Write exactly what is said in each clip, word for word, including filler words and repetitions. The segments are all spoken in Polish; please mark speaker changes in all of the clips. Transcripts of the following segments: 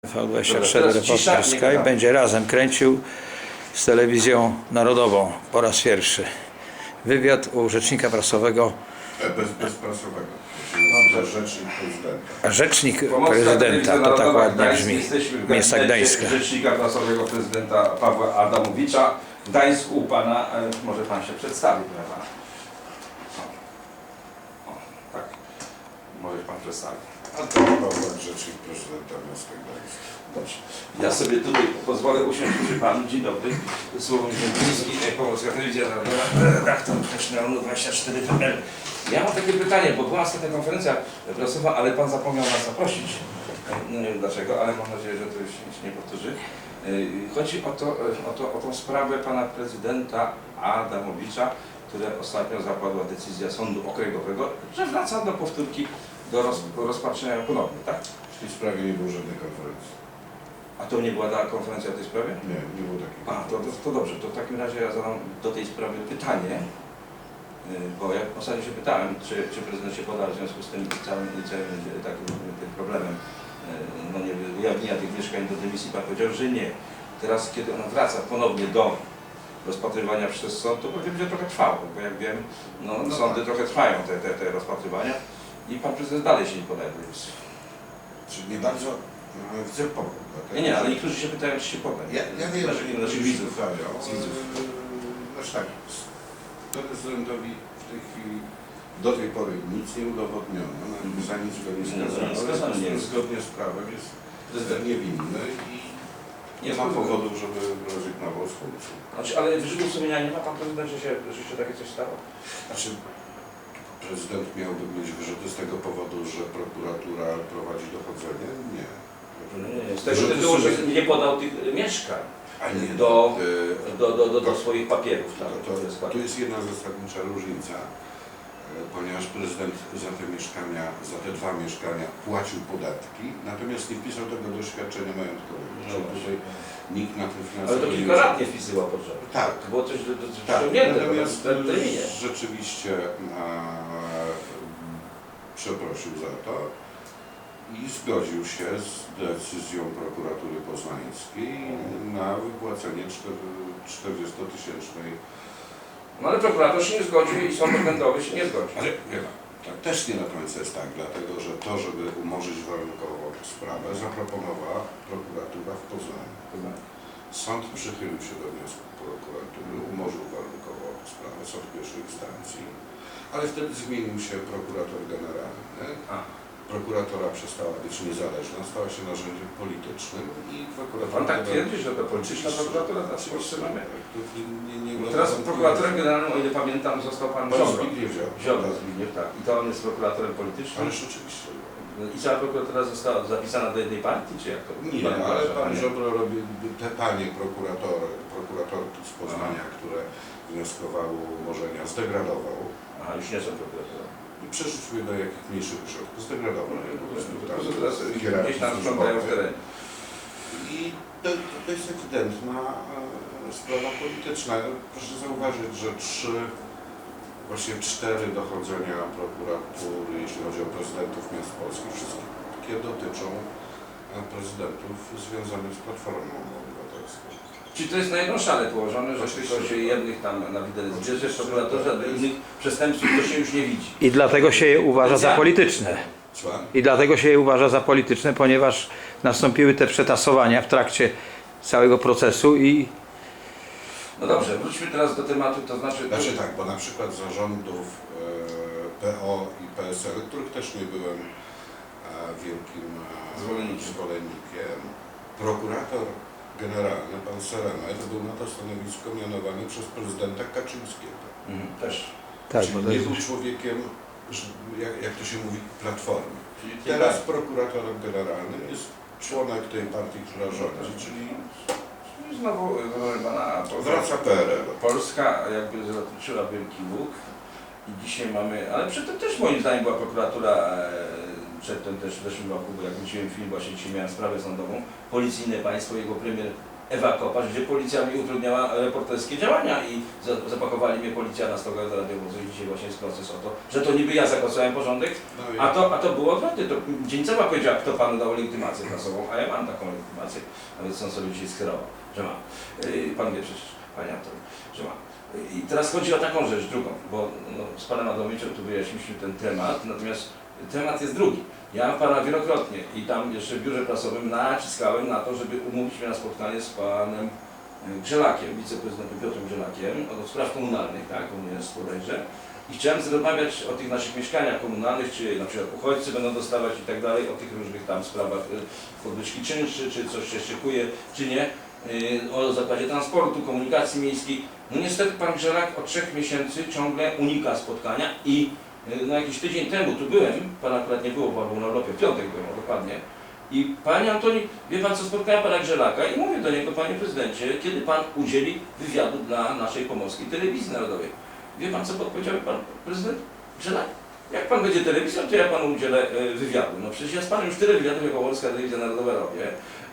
Speaker 1: V dwadzieścia cztery Reporterska i będzie razem kręcił z telewizją narodową po raz pierwszy wywiad u rzecznika prasowego.
Speaker 2: Bez, bez prasowego. Rzecznik prezydenta.
Speaker 1: Rzecznik prezydenta, to tak ładnie brzmi. Miasta Gdańska.
Speaker 3: Rzecznika prasowego prezydenta Pawła Adamowicza w Gdańsku u pana. Może pan się przedstawi, prawda? O, tak. Może pan przedstawić.
Speaker 2: A to Pawła, rzecznik prezydenta miasta Gdańska.
Speaker 3: Dobrze. Ja sobie tutaj pozwolę usiąść przy panu. Dzień dobry. Słowem Ziembiński, Pomorska Telewizja Narodowa, redaktor też na dwadzieścia cztery P L. Ja mam takie pytanie, bo była ostatnia konferencja prasowa, ale pan zapomniał nas zaprosić. No nie wiem dlaczego, ale mam nadzieję, że to już się nie powtórzy. Chodzi o, to, o, to, o tą sprawę pana prezydenta Adamowicza, która ostatnio zapadła decyzja Sądu Okręgowego, że wraca do powtórki do roz, rozpatrzenia ponownie, tak?
Speaker 2: W tej sprawie nie było żadnej konferencji.
Speaker 3: A to nie była ta konferencja w tej sprawie?
Speaker 2: Nie, nie było takiej.
Speaker 3: A, to, to, to dobrze, to w takim razie ja zadam do tej sprawy pytanie, bo ja ostatnio się pytałem, czy, czy prezydent się poda w związku z tym całym, całym takim tym problemem no nie ujawnienia tych mieszkań do dymisji. Pan powiedział, że nie. Teraz, kiedy ona wraca ponownie do rozpatrywania przez sąd, to pewnie będzie trochę trwało, bo jak wiem, no, no sądy tak. trochę trwają te, te, te rozpatrywania i pan prezydent dalej się nie podaje do dymisji.
Speaker 2: Czyli nie bardzo no, chcę pomóc.
Speaker 3: Nie, nie, ale niektórzy się pytają, czy się poda.
Speaker 2: Ja, ja wiem, że
Speaker 3: nie naszych widzów.
Speaker 2: widzów. Znaczy tak, prezydentowi w tej chwili do tej pory nic nie udowodniono, mm. za nic go nie skazano, ale zgodnie z prawem jest prezydent niewinny i nie ma powodu, żeby rezygnował z funkcji.
Speaker 3: Znaczy, ale wyrzutu sumienia nie ma pan prezydent, że się, że się takie coś stało?
Speaker 2: Znaczy, prezydent miałby mieć wyrzuty z tego powodu, że prokuratura prowadzi dochodzenie? Nie.
Speaker 3: Nie, nie. Z tego tytułu, że nie podał tych mieszkań
Speaker 2: A nie,
Speaker 3: do,
Speaker 2: y,
Speaker 3: do, do, do, do swoich papierów. Tak,
Speaker 2: to, to, tu jest jedna zasadnicza różnica, ponieważ prezydent za te mieszkania, za te dwa mieszkania płacił podatki, natomiast nie wpisał tego do świadczenia majątkowego. No tutaj nikt na tym finansowo.
Speaker 3: Ale to kilka lat nie wpisywał potrzeby.
Speaker 2: Tak.
Speaker 3: To było coś
Speaker 2: tak.
Speaker 3: natomiast
Speaker 2: rzeczywiście a, przeprosił za to i zgodził się z decyzją prokuratury poznańskiej na wypłacenie czterdziestotysięcznej.
Speaker 3: No ale prokurator się nie zgodził i sąd okręgowy się nie zgodził.
Speaker 2: Ale nie ma. Tak, też nie na końcu jest tak, dlatego że to, żeby umorzyć warunkowo sprawę, zaproponowała prokuratura w Poznaniu. Sąd przychylił się do wniosku prokuratury, umorzył warunkowo sprawę, sąd pierwszej instancji, ale wtedy zmienił się prokurator generalny. A. Prokuratora przestała być niezależna, stała się narzędziem politycznym i prokurator...
Speaker 3: Pan tak twierdzi, że to polityczna prokuratura w Polsce mamy?
Speaker 2: Nie, nie, nie,
Speaker 3: teraz prokuratorem generalnym, o ile pamiętam, został pan Ziobro.
Speaker 2: Ziobro,
Speaker 3: Zbigniew, tak. I to on jest prokuratorem politycznym?
Speaker 2: Ależ oczywiście.
Speaker 3: I cała prokuratura została zapisana do jednej partii, czy jak to?
Speaker 2: Nie, pan ale pan Ziobro robi te panie prokuratory, prokuratorki z Poznania, Aha. które wnioskowały o umorzenia, zdegradował.
Speaker 3: Aha, już nie są prokuratorami.
Speaker 2: I przerzucił je do jakichś mniejszych ośrodków, zdegradował je po prostu tam.
Speaker 3: Gdzieś tam sprzątają w terenie.
Speaker 2: I to, to jest ewidentna e, sprawa polityczna. Proszę zauważyć, że trzy, właśnie cztery dochodzenia prokuratury, jeśli chodzi o prezydentów miast polskich, wszystkie dotyczą prezydentów związanych z Platformą Obywatelską.
Speaker 3: Czyli to jest na jedną szalę położone, że tylko się jednych tam na widelec bierze w prokuratorze, a do innych przestępców to się już nie widzi.
Speaker 1: I dlatego się je uważa za polityczne. I dlatego się je uważa za polityczne, ponieważ nastąpiły te przetasowania w trakcie całego procesu i...
Speaker 3: No dobrze, wróćmy teraz do tematu, to znaczy...
Speaker 2: Znaczy tak, bo na przykład zarządów e, P O i P S L, których też nie byłem e, wielkim e, zwolennikiem. zwolennikiem, prokurator generalny, pan Seremet, był na to stanowisko mianowany przez prezydenta Kaczyńskiego.
Speaker 3: Mhm, też.
Speaker 1: Tak,
Speaker 2: czyli nie był człowiekiem, jak, jak to się mówi, platformy. Czyli teraz tak. prokuratorem generalnym jest członek tej partii, która rządzi, czyli...
Speaker 3: Znowu, pana,
Speaker 2: wraca P R L.
Speaker 3: Polska jakby zatoczyła wielki łuk i dzisiaj mamy, ale przedtem też moim zdaniem była prokuratura, przedtem też w zeszłym roku, bo jak wróciłem film, właśnie dzisiaj miałem sprawę sądową, policyjne państwo, jego premier Ewa Kopacz, gdzie policja mi utrudniała reporterskie działania i za- zapakowali mnie policja na stogach radiowozu i dzisiaj właśnie jest proces o to, że to niby ja zakłócałem porządek,
Speaker 2: No i
Speaker 3: a to, a to było odwrotnie. To Dzieńcowa powiedziała, kto panu dał legitymację prasową, a ja mam taką legitymację, nawet są sobie dzisiaj skierował, że mam. Yy, Pan wie przecież, panie Antoni, że mam. I teraz chodzi o taką rzecz, drugą, bo no, z panem Adomiczem tu wyjaśniliśmy ten temat, natomiast temat jest drugi. Ja pana wielokrotnie i tam jeszcze w biurze prasowym naciskałem na to, żeby umówić mnie na spotkanie z panem Grzelakiem, wiceprezydentem Piotrem Grzelakiem, od spraw komunalnych, tak, on jest bodajże. I chciałem rozmawiać o tych naszych mieszkaniach komunalnych, czy na przykład uchodźcy będą dostawać i tak dalej, o tych różnych tam sprawach y, podwyżki czynszy, czy coś się szykuje, czy nie, y, o zakładzie transportu, komunikacji miejskiej. No niestety pan Grzelak od trzech miesięcy ciągle unika spotkania i y, no jakiś tydzień temu tu byłem, pan akurat nie było, bo był na urlopie, w piątek byłem, o, dokładnie. I panie Antoni, wie pan co, spotkałem pana Grzelaka i mówię do niego, panie prezydencie, kiedy pan udzieli wywiadu dla naszej pomorskiej telewizji narodowej. Wie pan co powiedział pan prezydent Grzelak? Jak pan będzie telewizją, to ja panu udzielę e, wywiadu. No przecież ja z panem już tyle wywiadów jako Polska Telewizja Narodowa robię,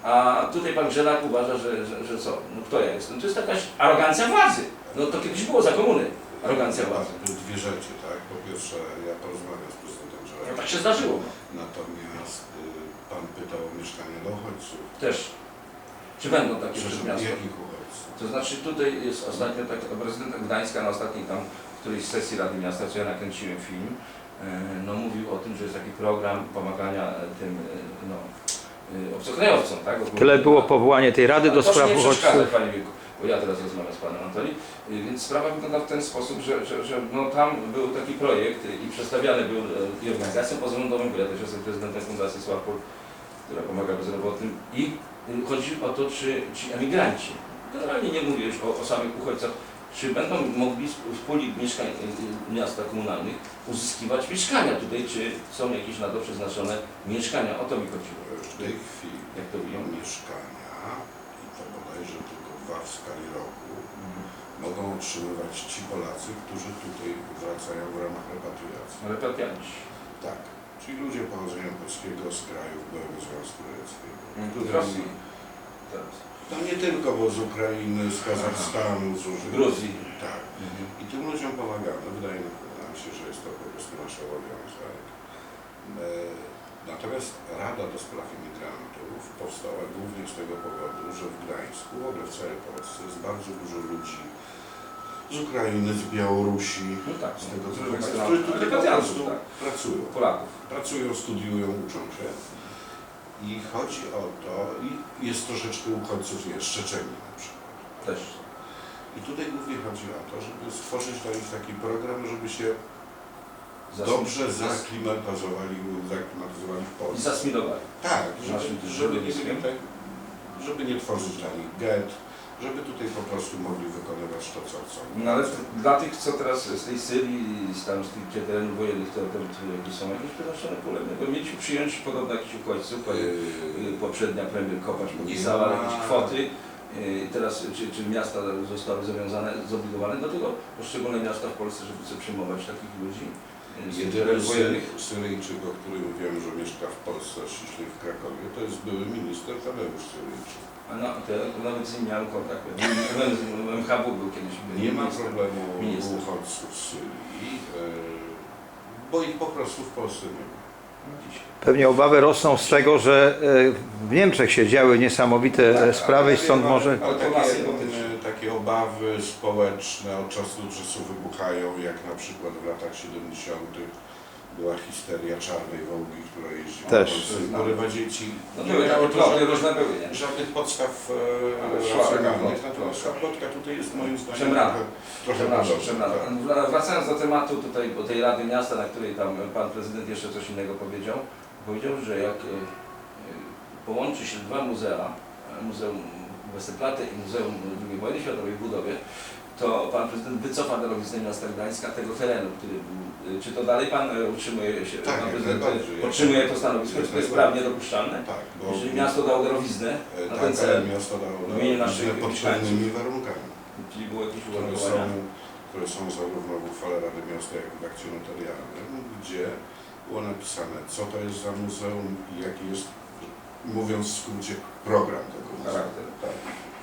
Speaker 3: a tutaj pan Grzelak uważa, że, że, że co? No kto ja jestem? To jest jakaś arogancja władzy. No to kiedyś było za komuny. Arogancja władzy.
Speaker 2: Tu dwie rzeczy, tak? Po pierwsze, ja porozmawiam z prezydentem
Speaker 3: No
Speaker 2: Żelakiem.
Speaker 3: tak się zdarzyło.
Speaker 2: Natomiast y, pan pytał o mieszkania dla uchodźców.
Speaker 3: Też. Czy będą takie
Speaker 2: Przepraszam,
Speaker 3: przez miasto?
Speaker 2: jakich uchodźców?
Speaker 3: To znaczy tutaj jest ostatnio tak, prezydent Gdańska na ostatniej tam którejś sesji Rady Miasta, co ja nakręciłem film, e, no mówił o tym, że jest taki program pomagania tym e, no, e, obcokrajowcom, tak? Ogólnie.
Speaker 1: Tyle było powołanie tej Rady do
Speaker 3: Ale proszę
Speaker 1: spraw
Speaker 3: nie przeszkadzać,
Speaker 1: uchodźców.
Speaker 3: panie Wieku, bo ja teraz rozmawiam z panem Antoni. Y, Więc sprawa wygląda w ten sposób, że, że, że no, tam był taki projekt y, i przedstawiany był y, i organizacjom pozarządowym, bo ja też jestem prezydentem Fundacji Sławpol, która pomaga bezrobotnym i y, chodzi o to, czy ci emigranci, generalnie nie mówię już o, o samych uchodźcach, czy będą mogli z z puli mieszkań y, y, miasta komunalnych uzyskiwać mieszkania tutaj, czy są jakieś na to przeznaczone mieszkania, o to mi chodziło.
Speaker 2: W tej chwili
Speaker 3: Jak to wygląda?
Speaker 2: mieszkania, i to bodajże tylko dwa w skali roku, mogą otrzymywać ci Polacy, którzy tutaj wracają w ramach repatriacji.
Speaker 3: Repatrianci.
Speaker 2: Tak, czyli ludzie pochodzenia polskiego z krajów byłego Związku Radzieckiego.
Speaker 3: Z Rosji. Teraz.
Speaker 2: No nie tylko, bo z Ukrainy, z Kazachstanu, z różnych...
Speaker 3: Gruzji.
Speaker 2: Tak.
Speaker 3: Mhm.
Speaker 2: I tym ludziom pomagamy. Wydaje nam się, że jest to po prostu nasz obowiązek. E, Natomiast Rada do Spraw Imigrantów powstała głównie z tego powodu, że w Gdańsku, w ogóle w całej Polsce jest bardzo dużo ludzi z Ukrainy, z Białorusi,
Speaker 3: No tak,
Speaker 2: z tego
Speaker 3: z
Speaker 2: typu
Speaker 3: różnych
Speaker 2: państw,
Speaker 3: stron.
Speaker 2: którzy tutaj po
Speaker 3: Repatriantów,
Speaker 2: prostu
Speaker 3: tak.
Speaker 2: pracują.
Speaker 3: Polaków.
Speaker 2: Pracują, studiują, uczą się. I chodzi o to, i jest troszeczkę uchodźców, nie, z Czeczenii na przykład.
Speaker 3: Też.
Speaker 2: I tutaj głównie chodzi o to, żeby stworzyć dla nich taki program, żeby się
Speaker 3: Zas-
Speaker 2: dobrze
Speaker 3: zas-
Speaker 2: zaklimatyzowali, zaklimatyzowali w
Speaker 3: I
Speaker 2: Polsce.
Speaker 3: zasmilowali.
Speaker 2: Tak, żeby,
Speaker 3: naszym
Speaker 2: żeby, nie,
Speaker 3: środowiskiem.
Speaker 2: tak, żeby nie tworzyć dla nich get, żeby tutaj po prostu mogli wykonywać to, co chcą.
Speaker 3: No ale dla tych, co teraz z tej Syrii, z tam z tych gdzie terenów wojennych, to, to, to jakieś są jakieś przeznaczone pole, bo mieliśmy przyjąć podobno jakichś uchodźców, bo
Speaker 2: Yy,
Speaker 3: y, poprzednia premier Kopacz
Speaker 2: nie
Speaker 3: podpisała
Speaker 2: ma-
Speaker 3: jakieś kwoty. Y, Teraz czy, czy miasta zostały zobowiązane, zobligowane do tego, poszczególne miasta w Polsce, żeby sobie przyjmować takich ludzi y, z tych
Speaker 2: Jedyny
Speaker 3: terenów wojennych.
Speaker 2: Syry- Syryjczyk, o którym wiem, że mieszka w Polsce, ściśle w Krakowie, to jest były minister Tadeusz Syryjczyk.
Speaker 3: A no, to ja nawet z nim miałem kontakt. W M H W był kiedyś.
Speaker 2: Nie ma
Speaker 3: minister.
Speaker 2: problemu
Speaker 3: minister.
Speaker 2: uchodźców z Syrii, yy, bo ich po prostu w Polsce nie ma.
Speaker 1: Pewnie obawy rosną z tego, że e, w Niemczech się działy niesamowite e, sprawy i stąd może...
Speaker 2: Ale
Speaker 3: To nas nie
Speaker 2: takie,
Speaker 3: dotyczy.
Speaker 2: e, takie obawy społeczne od czasu do czasu wybuchają, jak na przykład w latach siedemdziesiątych była histeria czarnej wołgi, która jeździła
Speaker 1: Też.
Speaker 2: po Polsce i porywa dzieci.
Speaker 3: No
Speaker 2: Nie
Speaker 3: były
Speaker 2: miało
Speaker 3: takie
Speaker 2: to
Speaker 3: ploty,
Speaker 2: żadnych,
Speaker 3: różne były, nie?
Speaker 2: żadnych podstaw
Speaker 3: Ale
Speaker 2: e,
Speaker 3: szła
Speaker 2: racjonalnych,
Speaker 3: plotka.
Speaker 2: natomiast ta plotka tutaj jest moim zdaniem
Speaker 3: Przemrana.
Speaker 2: trochę, trochę
Speaker 3: Przepraszam,
Speaker 2: podobna,
Speaker 3: przepraszam.
Speaker 2: tak.
Speaker 3: Wra- Wracając do tematu tutaj, bo tej Rady Miasta, na której tam pan prezydent jeszcze coś innego powiedział, powiedział, że jak e, e, połączy się dwa muzea, e, Muzeum Westerplatte i Muzeum drugiej wojny światowej w budowie, to pan prezydent wycofa darowiznę miasta Gdańska tego terenu, który był. e, Czy to dalej pan e, utrzymuje się,
Speaker 2: Tak,
Speaker 3: pan
Speaker 2: jak
Speaker 3: prezydent
Speaker 2: najbardziej.
Speaker 3: e, podtrzymuje to stanowisko, czy to jest prawnie dopuszczalne?
Speaker 2: Tak, bo
Speaker 3: Jeżeli miasto dało darowiznę
Speaker 2: e,
Speaker 3: na
Speaker 2: tak,
Speaker 3: ten
Speaker 2: ale
Speaker 3: cel,
Speaker 2: miasto dało
Speaker 3: w imieniu naszych
Speaker 2: pod pewnymi warunkami,
Speaker 3: czyli było jakieś
Speaker 2: które są,
Speaker 3: uwarunkowania.
Speaker 2: które są zarówno w uchwale Rady Miasta, jak i w akcie notarialnym, gdzie było napisane, co to jest za muzeum i jaki jest, mówiąc w skrócie, program tego muzeum.
Speaker 3: Charakter.
Speaker 2: Tak.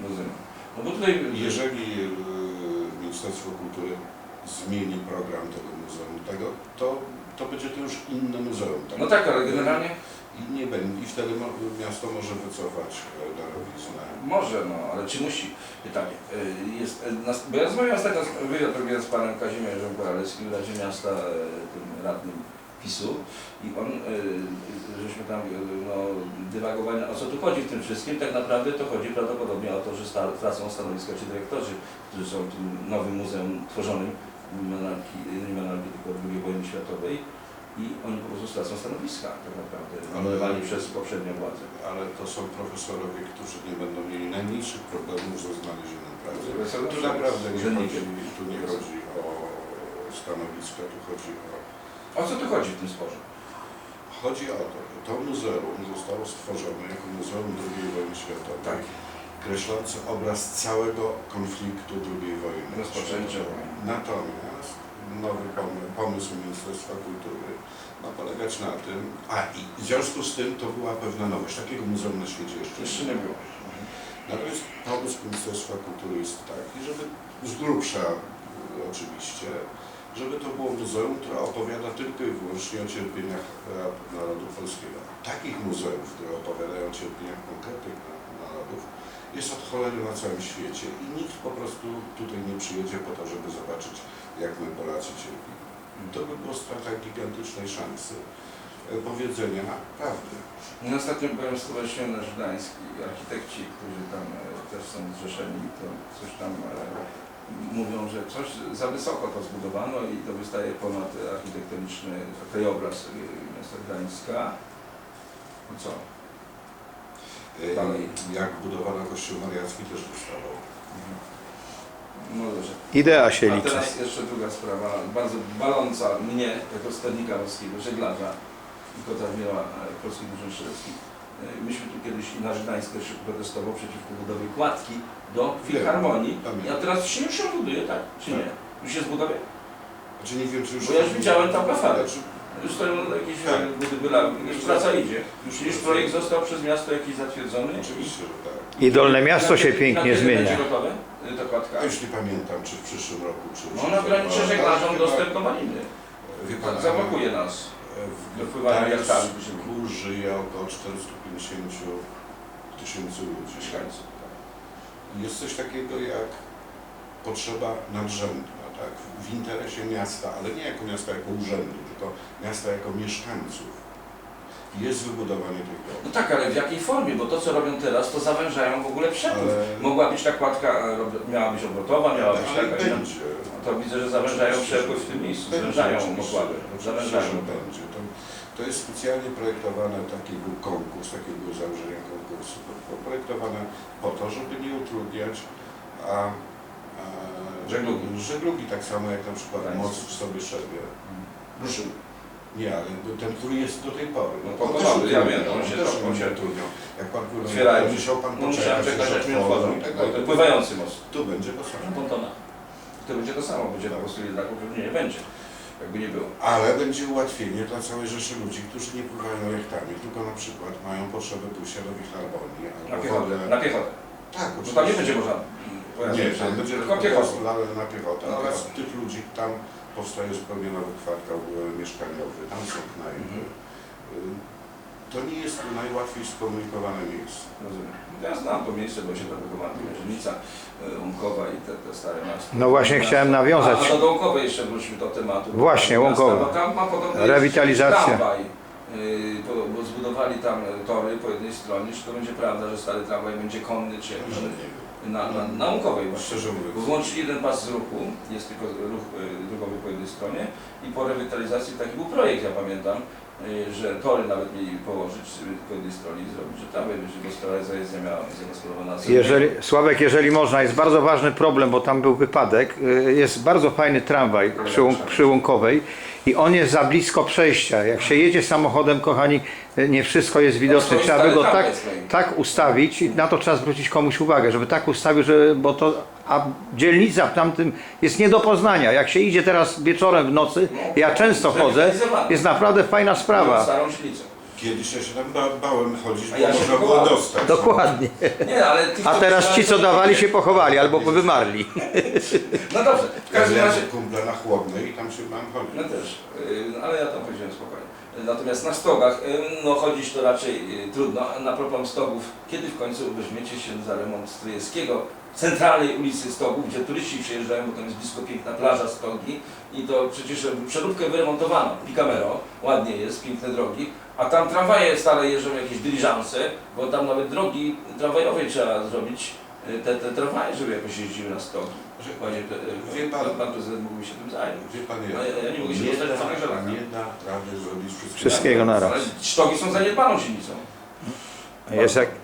Speaker 3: Rozumiem. No bo tutaj...
Speaker 2: Jeżeli y, Ministerstwo Kultury zmieni program tego muzeum, tego, to, to będzie to już inne muzeum. Tak?
Speaker 3: No tak, ale generalnie...
Speaker 2: I, nie będzie, I wtedy mo, miasto może wycofać e, darowiznę.
Speaker 3: Może, no, ale czy musi? Pytanie. Y, Jest, y, nas, bo ja rozmawiałem ostatnio z, wywiad robiłem z panem Kazimierzem Koraleckim w Radzie Miasta, y, tym radnym PiSu i on, y, żeśmy tam y, no, dywagowali, o co tu chodzi w tym wszystkim. Tak naprawdę to chodzi prawdopodobnie o to, że sta, tracą stanowiska ci dyrektorzy, którzy są w tym nowym muzeum tworzonym, nie monarchii, nie monarchii tylko drugiej wojny światowej. I oni po prostu stracą stanowiska, tak naprawdę, nominowani przez poprzednią władzę.
Speaker 2: Ale to są profesorowie, którzy nie będą mieli najmniejszych problemów ze znalezieniem pracy. Tu naprawdę nie chodzi, tu nie chodzi o stanowiska, tu chodzi o...
Speaker 3: O co tu chodzi w tym sporze?
Speaker 2: Chodzi o to, że to muzeum zostało stworzone jako Muzeum drugiej wojny światowej,
Speaker 3: Tak.
Speaker 2: kreślące obraz całego konfliktu drugiej wojny
Speaker 3: Rozpoczęcia
Speaker 2: światowej.
Speaker 3: wojny.
Speaker 2: Natomiast nowy pomysł, pomysł Ministerstwa Kultury ma polegać na tym, a i w związku z tym to była pewna nowość, takiego muzeum na świecie jeszcze,
Speaker 3: Jeszcze nie było.
Speaker 2: Natomiast pomysł Ministerstwa Kultury jest taki, żeby z grubsza y, oczywiście, żeby to było muzeum, które opowiada tylko i wyłącznie o cierpieniach e, narodu polskiego. Takich muzeów, które opowiadają o cierpieniach konkretnych narodów, jest od cholery na całym świecie i nikt po prostu tutaj nie przyjedzie po to, żeby zobaczyć, jak my Polacy cierpimy. To by było strata gigantycznej szansy e, powiedzenia prawdy.
Speaker 3: No, ostatnio byłem w Stowarzyszeniu Nasz Gdański, architekci, którzy tam e, też są zrzeszeni, to coś tam e, mówią, że coś za wysoko to zbudowano i to wystaje ponad architektoniczny krajobraz e, miasta Gdańska. No co?
Speaker 2: E,
Speaker 3: Dalej.
Speaker 2: Jak budowano Kościół Mariacki też wystawał.
Speaker 3: No dobrze.
Speaker 1: Idea się
Speaker 3: A
Speaker 1: liczy.
Speaker 3: teraz jeszcze druga sprawa, bardzo baląca mnie, jako sternika morskiego, żeglarza i kota miała polskich drużyn strzeleckich. Myśmy tu kiedyś i nasz Gdańsk też protestował przeciwko budowie kładki do Filharmonii.
Speaker 2: Pamiętam.
Speaker 3: A teraz się już ją buduje, tak? Czy nie? Już jest budowie?
Speaker 2: Znaczy nie wiem, czy już...
Speaker 3: Bo ja już widziałem tam kafale.
Speaker 2: Znaczy,
Speaker 3: Już stoją jakieś
Speaker 2: Tak.
Speaker 3: budyby, już praca idzie. Już, już projekt został przez miasto jakiś zatwierdzony.
Speaker 2: Oczywiście, że tak.
Speaker 1: I Dolne Miasto się
Speaker 3: Na
Speaker 1: pięknie
Speaker 3: kiedy
Speaker 1: zmienia.
Speaker 3: będzie gotowe y, ta kładka?
Speaker 2: Ja już nie pamiętam, czy w przyszłym roku, czy...
Speaker 3: No ona ograniczy żeglarzom dostęp do maliny.
Speaker 2: Wie pan,
Speaker 3: Zablokuje nas.
Speaker 2: w
Speaker 3: do pływania jachtami.
Speaker 2: Gdańsku żyje około czterysta pięćdziesiąt tysięcy ludzi.
Speaker 3: Mieszkańców.
Speaker 2: Jest coś takiego jak potrzeba nadrzędna, tak? W interesie miasta, ale nie jako miasta jako urzędu, tylko miasta jako mieszkańców. Jest wybudowanie tych dróg.
Speaker 3: No tak, ale w jakiej formie? Bo to co robią teraz, to zawężają w ogóle przepływ.
Speaker 2: Ale-
Speaker 3: Mogła być ta kładka, e, rob- miała być obrotowa, miała być
Speaker 2: Ale
Speaker 3: taka inna.
Speaker 2: będzie.
Speaker 3: No to widzę, że zawężają przepływ w tym miejscu, zwężają pokłady. Zawężają.
Speaker 2: Że będzie. To, to jest specjalnie projektowane, taki był konkurs, takie było założenie konkursu, projektowane po to, żeby nie utrudniać a, a,
Speaker 3: Żeglugi.
Speaker 2: żeglugi, tak samo jak na przykład
Speaker 3: Gdańsk.
Speaker 2: Moc w sobie szebie.
Speaker 3: Ruszył.
Speaker 2: Nie, ale ten, który jest do tej pory.
Speaker 3: No
Speaker 2: On
Speaker 3: po
Speaker 2: też
Speaker 3: kolei, ja
Speaker 2: utrudniał,
Speaker 3: wiem, on się
Speaker 2: też
Speaker 3: trochę- on się-
Speaker 2: utrudniał. Jak pan płynął,
Speaker 3: Otwierają.
Speaker 2: musiał pan
Speaker 3: No musiałem
Speaker 2: poczekać,
Speaker 3: czekać, aż mi
Speaker 2: otworzą
Speaker 3: otworzą.
Speaker 2: i tak
Speaker 3: Bo to
Speaker 2: dalej.
Speaker 3: pływający most.
Speaker 2: Tu będzie to samo.
Speaker 3: Pontona. To będzie to samo, będzie po prostu jednak upewnienie będzie. Jakby nie było.
Speaker 2: Ale będzie ułatwienie dla całej rzeszy ludzi, którzy nie pływają jachtami, tylko na przykład mają potrzebę pójścia do Filharmonii.
Speaker 3: Na
Speaker 2: albo
Speaker 3: piechotę.
Speaker 2: wolę-
Speaker 3: Na piechotę.
Speaker 2: Tak,
Speaker 3: Bo
Speaker 2: oczywiście.
Speaker 3: tam nie będzie można pojazdów
Speaker 2: Nie,
Speaker 3: przejść.
Speaker 2: tam będzie
Speaker 3: tylko piechotą.
Speaker 2: piechotę. Na piechotę.
Speaker 3: Na
Speaker 2: Oraz
Speaker 3: piechotę.
Speaker 2: tych ludzi tam powstaje zupełnie nowy kwartał e, mieszkaniowy, tam są knajpy. Y, To nie jest najłatwiej skomunikowane miejsce.
Speaker 3: Rozumiem. Ja znam to miejsce, bo się tam wychowałem, Mierzynica, Łąkowa i te, te stare miasta.
Speaker 1: No właśnie chciałem nawiązać.
Speaker 3: A, a do Łąkowej jeszcze wróćmy do tematu.
Speaker 1: Właśnie,
Speaker 3: Miasta,
Speaker 1: Łąkowa.
Speaker 3: Bo tam ma podobno
Speaker 1: Rewitalizacja.
Speaker 3: tramwaj, yy, bo, bo zbudowali tam tory po jednej stronie. Czy to będzie prawda, że stary tramwaj będzie konny, czy jakiś
Speaker 2: Że nie wiem.
Speaker 3: na, na, na Łąkowej właśnie.
Speaker 2: Szczerze
Speaker 3: Bo
Speaker 2: mówiąc.
Speaker 3: włączyli jeden pas z ruchu, jest tylko ruch y, drogowy po jednej stronie i po rewitalizacji taki był projekt, ja pamiętam, y, że tory nawet mieli położyć y, po jednej stronie i zrobić, że tam będzie gospodarka zajezdnia miała być zagospodarowana.
Speaker 1: Jeżeli, Sławek, jeżeli można, jest bardzo ważny problem, bo tam był wypadek. Y, Jest bardzo fajny tramwaj przy, Łą- przy Łąkowej i on jest za blisko przejścia. Jak się jedzie samochodem, kochani, y, nie wszystko jest widoczne. Trzeba by go tak, tak ustawić i na to trzeba zwrócić komuś uwagę, żeby tak ustawił, że, bo to, a dzielnica w tamtym jest nie do poznania. Jak się idzie teraz wieczorem w nocy, ja często chodzę, jest naprawdę fajna sprawa.
Speaker 3: Starą silnicę.
Speaker 2: Kiedyś ja się tam ba bałem chodzić,
Speaker 3: A
Speaker 2: bo
Speaker 3: ja się
Speaker 2: można było
Speaker 3: pochowałem.
Speaker 2: dostać.
Speaker 1: Dokładnie.
Speaker 3: Nie, ale tych,
Speaker 1: A teraz ci, co dawali, się pochowali albo wymarli.
Speaker 3: No dobrze, w
Speaker 2: Ja
Speaker 3: każdym razie...
Speaker 2: miałem kumpla na Chłodnej i tam się bałem chodzić.
Speaker 3: No też, yy, ale ja tam chodziłem spokojnie. Natomiast na stogach, yy, no chodzić to raczej yy, trudno. A na propos stogów, kiedy w końcu weźmiecie się za remont Stryjewskiego, centralnej ulicy Stogów, gdzie turyści przyjeżdżają, bo tam jest blisko piękna plaża Stogi i to przecież przeróbkę wyremontowano, Picamero, ładnie jest, piękne drogi, a tam tramwaje stare jeżdżą, jakieś dyliżanse, bo tam nawet drogi tramwajowe trzeba zrobić, yy, te, te tramwaje, żeby jakoś jeździły na Stogi. Panie,
Speaker 2: Wie pan-
Speaker 3: pan, pan prezydent mógłby się tym zająć.
Speaker 2: Wie pan,
Speaker 3: A ja, ja nie mogę się
Speaker 2: nie,
Speaker 3: dostać do samych
Speaker 2: da,
Speaker 3: żelaka.
Speaker 2: nie da rady zrobić wszystkiego.
Speaker 1: Wszystkiego naraz.
Speaker 3: Ale sztogi są zaniedbaną silnicą.
Speaker 1: Jest jak...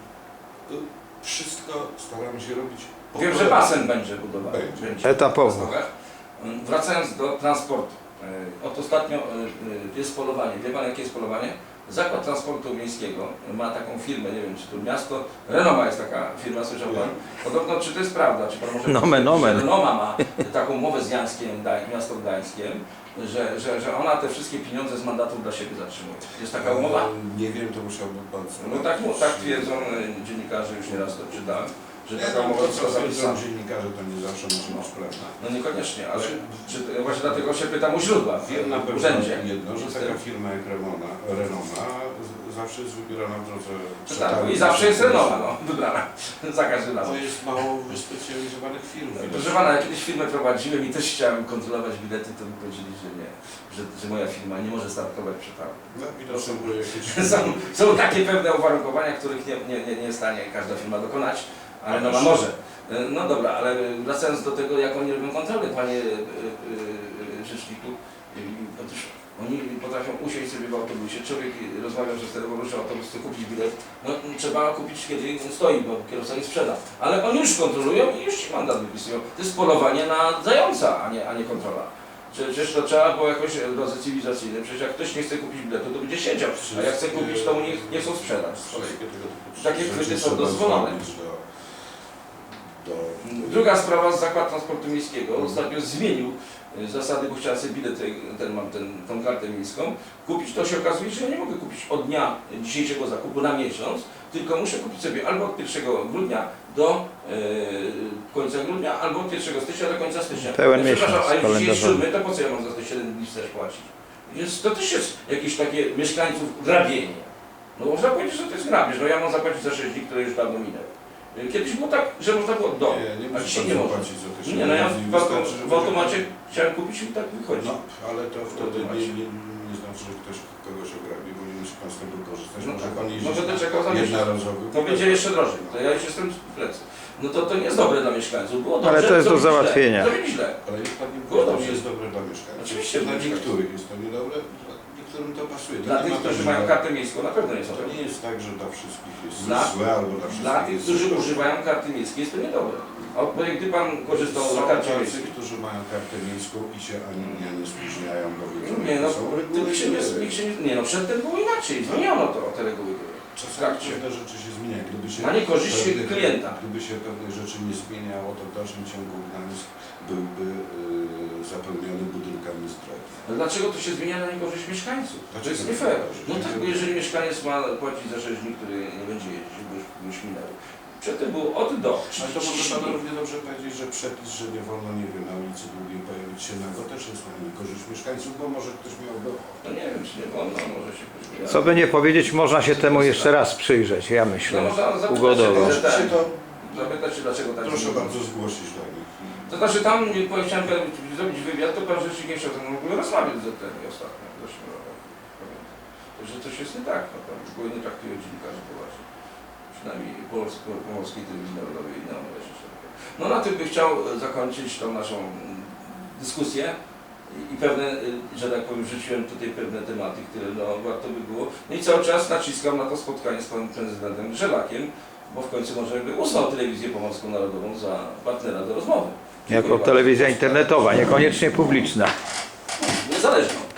Speaker 2: Wszystko staramy się robić po
Speaker 3: Wiem, że
Speaker 2: kolei.
Speaker 3: basen będzie budowany.
Speaker 2: Będzie.
Speaker 1: Etapowo.
Speaker 3: na stogach. Wracając do transportu. E, Od ostatnio e, e, jest polowanie. Wie pan, jakie jest polowanie? Zakład Transportu Miejskiego ma taką firmę, nie wiem czy to miasto, Renoma jest taka firma, słyszał pan? Podobno, czy to jest prawda, czy pan może
Speaker 1: Nomen,
Speaker 3: powiedzieć,
Speaker 1: nomen.
Speaker 3: że Renoma ma taką umowę z Gdańskiem, Gdań- miasto Gdańskiem, że, że, że ona te wszystkie pieniądze z mandatów dla siebie zatrzymuje. Jest taka umowa?
Speaker 2: E, Nie wiem, to musiałby pan
Speaker 3: No tak, no, tak twierdzą e, dziennikarze, już nieraz to czytałem, że
Speaker 2: Nie,
Speaker 3: taka
Speaker 2: no,
Speaker 3: umowa
Speaker 2: to
Speaker 3: została
Speaker 2: co
Speaker 3: zapisana.
Speaker 2: twierdzą dziennikarze, to nie zawsze musi być prawda.
Speaker 3: No niekoniecznie, ale
Speaker 2: Czy-
Speaker 3: czy, właśnie dlatego się pytam u źródła,
Speaker 2: Wiem na
Speaker 3: w
Speaker 2: pewno
Speaker 3: urzędzie.
Speaker 2: jedno, że taka firma jak Renoma, Renoma z- zawsze jest wybierana w drodze
Speaker 3: Tak,
Speaker 2: przetargu.
Speaker 3: i zawsze jest Renoma, no, wybrana, za każdym razem.
Speaker 2: To jest mało wyspecjalizowanych firm.
Speaker 3: Proszę pana, ja kiedyś firmę prowadziłem i też chciałem kontrolować bilety, to mi powiedzieli, że nie, że, że moja firma nie może startować przetargu.
Speaker 2: No, widocznie były jakieś...
Speaker 3: Są, są takie pewne uwarunkowania, których nie, nie, nie, nie jest w stanie każda firma dokonać, ale no
Speaker 2: Ależ-
Speaker 3: może. No dobra, ale wracając do tego, jak oni robią kontrolę, panie y, y, y, rzeczniku, y, otóż oni potrafią usiąść sobie w autobusie, człowiek rozmawia przez telefon, rusza autobus, chce kupić bilet, no trzeba kupić kiedy stoi, bo kierowca nie sprzeda. Ale oni już kontrolują i już ci mandat wypisują. To jest polowanie na zająca, a nie, a nie kontrola. Przecież to trzeba było jakoś w drodze cywilizacyjnej, przecież jak ktoś nie chce kupić biletu, to będzie siedział, a jak chce kupić, to mu nie, nie chcą sprzedać.
Speaker 2: Wszystkie tego typu
Speaker 3: Takie
Speaker 2: rzeczy
Speaker 3: chwyty są
Speaker 2: trzeba
Speaker 3: dozwolone.
Speaker 2: zrobić Do, do,
Speaker 3: Druga sprawa, Zakład Transportu Miejskiego ostatnio zmienił y, zasady, bo chciałem sobie bilet, tej- ten, mam ten, tą kartę miejską, kupić, to się okazuje, że ja nie mogę kupić od dnia dzisiejszego zakupu na miesiąc, tylko muszę kupić sobie albo od pierwszego grudnia do y, końca grudnia, albo od pierwszego stycznia do końca stycznia.
Speaker 1: Pełen
Speaker 3: Ja przepraszam,
Speaker 1: miesiąc
Speaker 3: a już dzisiaj jest
Speaker 1: kalendarzowy.
Speaker 3: siódmy, to po co ja mam za te siedem dni wstecz płacić? Jest, to też jest jakieś takie mieszkańców grabienie. No można powiedzieć, że to jest grabież, no ja mam zapłacić za sześć dni, które już dawno minęły. Kiedyś było tak, że można było do.
Speaker 2: Nie, nie
Speaker 3: A
Speaker 2: musi
Speaker 3: dzisiaj
Speaker 2: pan
Speaker 3: nie można.
Speaker 2: zapłacić za te
Speaker 3: Nie, no ja
Speaker 2: siedem
Speaker 3: w,
Speaker 2: dni,
Speaker 3: auto,
Speaker 2: wystarczy, że
Speaker 3: w automacie chciałem kupić i tak wychodzi.
Speaker 2: No, ale to wtedy nie,
Speaker 3: automacie.
Speaker 2: nie, nie znaczy, że ktoś kogoś ograbi, bo nie musi pan z tego korzystać.
Speaker 3: No
Speaker 2: Może
Speaker 3: tak.
Speaker 2: pan jeździć
Speaker 3: No będę czekał za miesiąc.
Speaker 2: jednorazowy.
Speaker 3: To będzie jeszcze drożej, to ja już jestem w plecy. No to, to nie jest dobre dla mieszkańców. Było dobrze,
Speaker 1: Ale to jest do
Speaker 3: zrobili
Speaker 1: załatwienia.
Speaker 3: Źle. Zrobili źle.
Speaker 2: Ale niech pan nie
Speaker 3: Było
Speaker 2: mówi, że to
Speaker 3: dobrze.
Speaker 2: nie jest dobre dla mieszkańców.
Speaker 3: Oczywiście,
Speaker 2: Dla
Speaker 3: dla
Speaker 2: niektórych jest to niedobre, dla niektórym to pasuje. To
Speaker 3: Dla
Speaker 2: nie
Speaker 3: tych,
Speaker 2: ma
Speaker 3: którzy
Speaker 2: tak,
Speaker 3: mają
Speaker 2: że-
Speaker 3: kartę miejską, na pewno jest
Speaker 2: To
Speaker 3: dobre.
Speaker 2: nie jest tak, że dla wszystkich jest
Speaker 3: Dla-
Speaker 2: złe albo dla wszystkich
Speaker 3: Dla tych,
Speaker 2: jest
Speaker 3: którzy
Speaker 2: dobre.
Speaker 3: używają karty miejskiej, jest to niedobre. A bo gdy pan korzystał
Speaker 2: Są
Speaker 3: z karty
Speaker 2: tacy,
Speaker 3: miejskiej,
Speaker 2: którzy mają kartę miejską i się ani dnia nie spóźniają, bo wiedzą,
Speaker 3: nie no,
Speaker 2: jakie są reguły.
Speaker 3: nikt się nie, nikt się nie, nie no, przedtem było inaczej, zmieniono to, te reguły.
Speaker 2: Czasami
Speaker 3: trakcie.
Speaker 2: pewne rzeczy się zmieniają. Gdyby się
Speaker 3: Na niekorzyść
Speaker 2: pewnych-
Speaker 3: klienta.
Speaker 2: Gdyby się pewne rzeczy nie zmieniało, to w dalszym ciągu Gdańsk byłby yy, zapełniony budynkami zdrowia.
Speaker 3: Ale dlaczego to się zmienia na niekorzyść mieszkańców? To
Speaker 2: Dlaczego
Speaker 3: jest nie fair.
Speaker 2: niekorzyść?
Speaker 3: No tak, bo jeżeli mieszkaniec ma płacić za sześć dni, który nie będzie jeździć, bo już, już minęły. Przedtem było od do.
Speaker 2: Ale to może
Speaker 3: trzydzieści
Speaker 2: Pan
Speaker 3: dni.
Speaker 2: równie dobrze powiedzieć, że przepis, że nie wolno, nie wiem, na ulicy Długiej pojawić się nago, też jest na niekorzyść mieszkańców, bo może ktoś miałby
Speaker 3: No nie wiem, czy nie wolno, może się pośmieje.
Speaker 1: Co by nie powiedzieć, można się temu jeszcze raz przyjrzeć, ja
Speaker 3: No
Speaker 1: myślę,
Speaker 3: można zapytać
Speaker 1: ugodowo.
Speaker 3: się,
Speaker 2: Możecie się to,
Speaker 3: zapytać się, dlaczego tak
Speaker 2: proszę
Speaker 3: nie
Speaker 2: bardzo, zgłosić do nich.
Speaker 3: To znaczy tam, nie- bo chciałem zrobić wywiad, to pan rzecznik nie chciał ze mną w ogóle rozmawiać z tym ostatnio. w zeszłym roku. Także coś jest nie tak, no pan w ogóle nie traktuje dziennikarzy poważnie. Przynajmniej Polsk, Polskiej Telewizji Narodowej i inne rzeczy. No na tym bym chciał zakończyć tą naszą mm, dyskusję i, i pewne, y, że tak powiem, wrzuciłem tutaj pewne tematy, które no, warto by było. No i cały czas naciskam na to spotkanie z panem prezydentem Grzelakiem, bo w końcu może by uznał Telewizję Pomorską Narodową za partnera do rozmowy. Dziękuję
Speaker 1: Jako
Speaker 3: bardzo.
Speaker 1: telewizja internetowa, niekoniecznie publiczna.
Speaker 3: Niezależną.